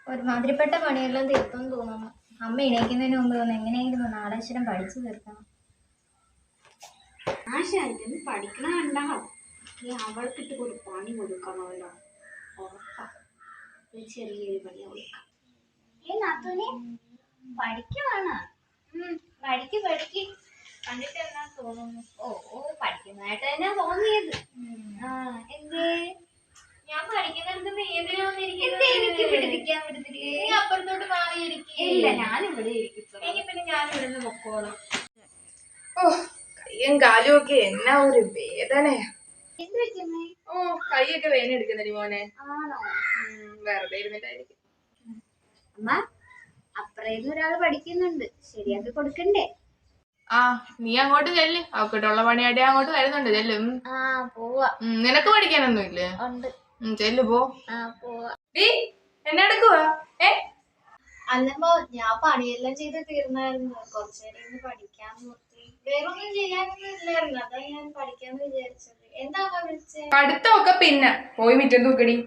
ഒരുമാതിരിപ്പെട്ട പണിയെല്ലാം തീർത്തെന്ന് തോന്നുന്നു. അമ്മ എണീക്കുന്നതിന് മുമ്പ് ഒന്ന് എങ്ങനെയെങ്കിലും നാടക്ഷരം പഠിച്ചു തീർക്കണം. ആശാന് പഠിക്കണ കണ്ടാ അവൾക്കിട്ട് ഒരു പണി കൊടുക്കണമല്ലോ. ഉറപ്പാ ചെറിയൊരു പണി കൊടുക്കാം. പഠിക്കുവാണ്. പഠിക്ക് കണ്ടിട്ട് എന്നാ തോന്നുന്നു? പഠിക്കുന്നതായിട്ട് തന്നെ തോന്നിയത്. എന്തേ ഞാൻ പഠിക്കുന്നിടത്ത് എനിക്ക് പിടിപ്പിക്കാൻ അപ്പുറത്തോട്ട് മാറിയിരിക്കില്ല. ഞാനിവിടെ ഇരിക്കും. എങ്കിൽ പിന്നെ ഞാൻ ഇവിടുന്ന് പൊക്കോളാം. കയ്യും കാലും ഒക്കെ എന്നാ ഒരു വേദനയാ. എന്ത് പറ്റുന്നേ? കൈയൊക്കെ വേദന എടുക്കുന്നടി മോനെ. ആണോ? വെറുതെ ഇരുന്നിട്ടായിരിക്കും. അമ്മ അപ്പുറേന്ന് ഒരാള് പഠിക്കുന്നുണ്ട്, ശരിയാക്കി കൊടുക്കണ്ടേ? നീ അങ്ങോട്ട് ചെല്ല്. അവക്കിട്ടുള്ള പണിയായിട്ട് അങ്ങോട്ട് വരുന്നുണ്ട്. ചെല്ലും. പോവാ. നിനക്ക് പഠിക്കാനൊന്നും ഇല്ലേ? ഉണ്ട്. ചെല്ലു പോ. പോവാ. എന്നെ എടുക്കുവാ? അല്ലമ്മോ, ഞാൻ പണിയെല്ലാം ചെയ്ത് തീർന്നായിരുന്നു. കുറച്ചേരം പഠിക്കാന്ന് നോക്കി. വേറൊന്നും ചെയ്യാനൊന്നും ഇല്ലായിരുന്നു. അതാ ഞാൻ പഠിക്കാന്ന് വിചാരിച്ചത്. എന്താ വിളിച്ചത്? പഠിത്തമൊക്കെ പിന്നെ പോയി മിറ്റം തൂക്കടി.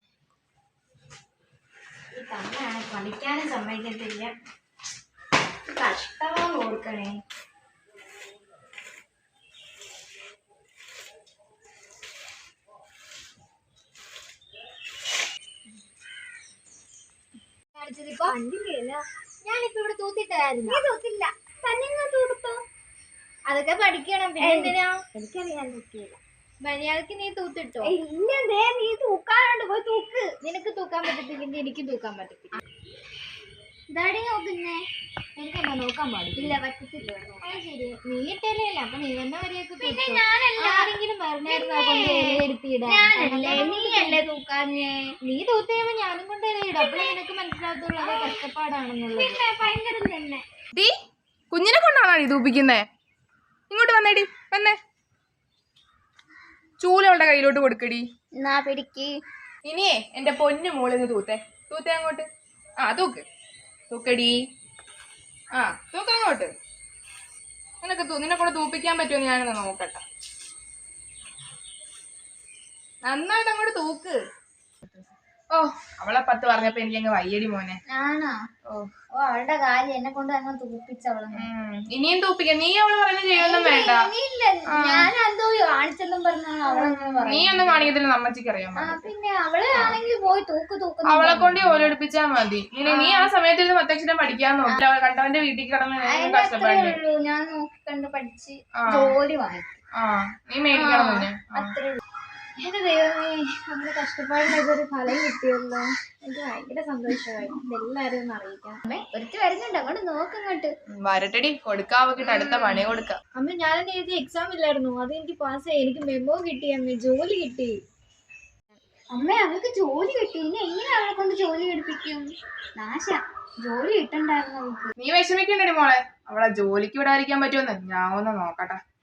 ഈ തന്നെയാണ് പഠിക്കാനും സമ്മതിക്കത്തില്ല. കഷ്ടമാണ് കൊടുക്കണേ. ഞാനിപ്പോ ഇവിടെ തൂത്തിട്ടായിരുന്നു. തൂത്തില്ല, തന്നെ തൂത്തോ? അതൊക്കെ പഠിക്കണം. പിന്നെ എന്തിനാ? എനിക്കറിയാൻ തൂക്കിയില്ല. മര്യാദക്ക് നീ തൂത്തിട്ടോ? ഇല്ലേ, നീ തൂക്കാനുണ്ട്, പോയി തൂക്ക്. നിനക്ക് തൂക്കാൻ പറ്റത്തില്ലെങ്കിൽ എനിക്ക് തൂക്കാൻ പറ്റത്തില്ല. ഇതാടി നോക്കുന്നേ. എനിക്കെന്താ നോക്കാൻ പാടില്ല? പറ്റത്തില്ല. ശരി, നീ ഇട്ടല്ലേ, അപ്പൊ നീ തന്നെ വരെയൊക്കെ. പിന്നെ ഞാനല്ല, ആരെങ്കിലും നീയല്ലേ തൂക്കാഞ്ഞേ? നീ തൂത്ത് കഴിയുമ്പോ ഞാനും കൊണ്ട് ഇടും. അപ്പോഴേ നിനക്ക് മനസ്സിലാകത്തുള്ളൂ അത് കഷ്ടപ്പാടാണെന്നുള്ളത്. പിന്നെ ഭയങ്കര തന്നെ. കുഞ്ഞിനെ കൊണ്ടാണോ ഈ തൂപ്പിക്കുന്നേ? ഇങ്ങോട്ട് വന്നേടി, വന്നേ. ചൂലവളുടെ കയ്യിലോട്ട് കൊടുക്കടി. പിടിക്ക്. ഇനിയേ എന്റെ പൊന്നു മോളിന്ന് തൂത്തേ അങ്ങോട്ട്. തൂക്ക്, തൂക്കടി. തൂക്കങ്ങോട്ട്. നിന്നെ കൂടെ തൂപ്പിക്കാൻ പറ്റുമെന്ന് ഞാനൊന്ന് നോക്കട്ടെ. നന്നായിട്ട് അങ്ങോട്ട് തൂക്ക്. അവളെ 10 പറഞ്ഞപ്പോ എനിക്കങ്ങ് വയ്യടി മോനെ. ആണോ? അവളുടെ കാര്യം എന്നെ കൊണ്ട് അങ്ങ് തൂപ്പിച്ചവള്. ഇനിയും തൂപ്പിക്കാം. നീ അവള് പറയുന്നത് ചെയ്യൊന്നും വേണ്ട. ഞാനെന്തോ കാണിച്ചെന്നും പറഞ്ഞാണ്. നീ ഒന്നും കാണിക്കത്തില്ല, നമ്മച്ചിക്ക് അറിയാൻ. പിന്നെ അവളെ ആണെങ്കിൽ പോയി തൂക്ക്. അവളെ കൊണ്ട് ഓലെടുപ്പിച്ചാ മതി. നീ ആ സമയത്ത് ഇരുന്ന് 10 അക്ഷരം പഠിക്കാൻ നോക്കി. കണ്ടവന്റെ വീട്ടിൽ കിടന്ന് കഷ്ടപ്പെടുള്ളൂ. ഞാൻ നോക്കി കണ്ട് പഠിച്ച് ജോലി വാങ്ങിക്കും. നീ മേടിക്കണം തന്നെ. അത്രേ ഉള്ളൂ. എന്റെ ദൈവമേ, നമ്മുടെ കഷ്ടപ്പാടിന് ഇതൊരു ഫലം കിട്ടിയല്ലോ. എനിക്ക് ഭയങ്കര സന്തോഷമായി. ഇതെല്ലാരും ഒന്ന് അറിയിക്കാം. ഒരുത്തി വരുന്നുണ്ട്, അങ്ങോട്ട് നോക്കങ്ങോട്ട്. വരട്ടടി, കൊടുക്കാവക്കിട്ട് അടുത്ത പണി കൊടുക്കാം. അമ്മ, ഞാനെന്നെ എഴുതിയ എക്സാം ഇല്ലായിരുന്നു, അത് എനിക്ക് പാസ്സായി. എനിക്ക് മെമ്മോ കിട്ടി. അമ്മ, ജോലി കിട്ടി. അമ്മ, അവൾക്ക് ജോലി കിട്ടി. ഇനി എങ്ങനെ അവളെ കൊണ്ട് ജോലി എടുപ്പിക്കും? നാശ, ജോലി കിട്ടണ്ടായിരുന്നു അവൾക്ക്. നീ വിഷമിക്കണ്ടടി മോളെ. അവളെ ജോലിക്ക് വിടാതിരിക്കാൻ പറ്റുമെന്ന് ഞാൻ ഒന്ന് നോക്കട്ടെ.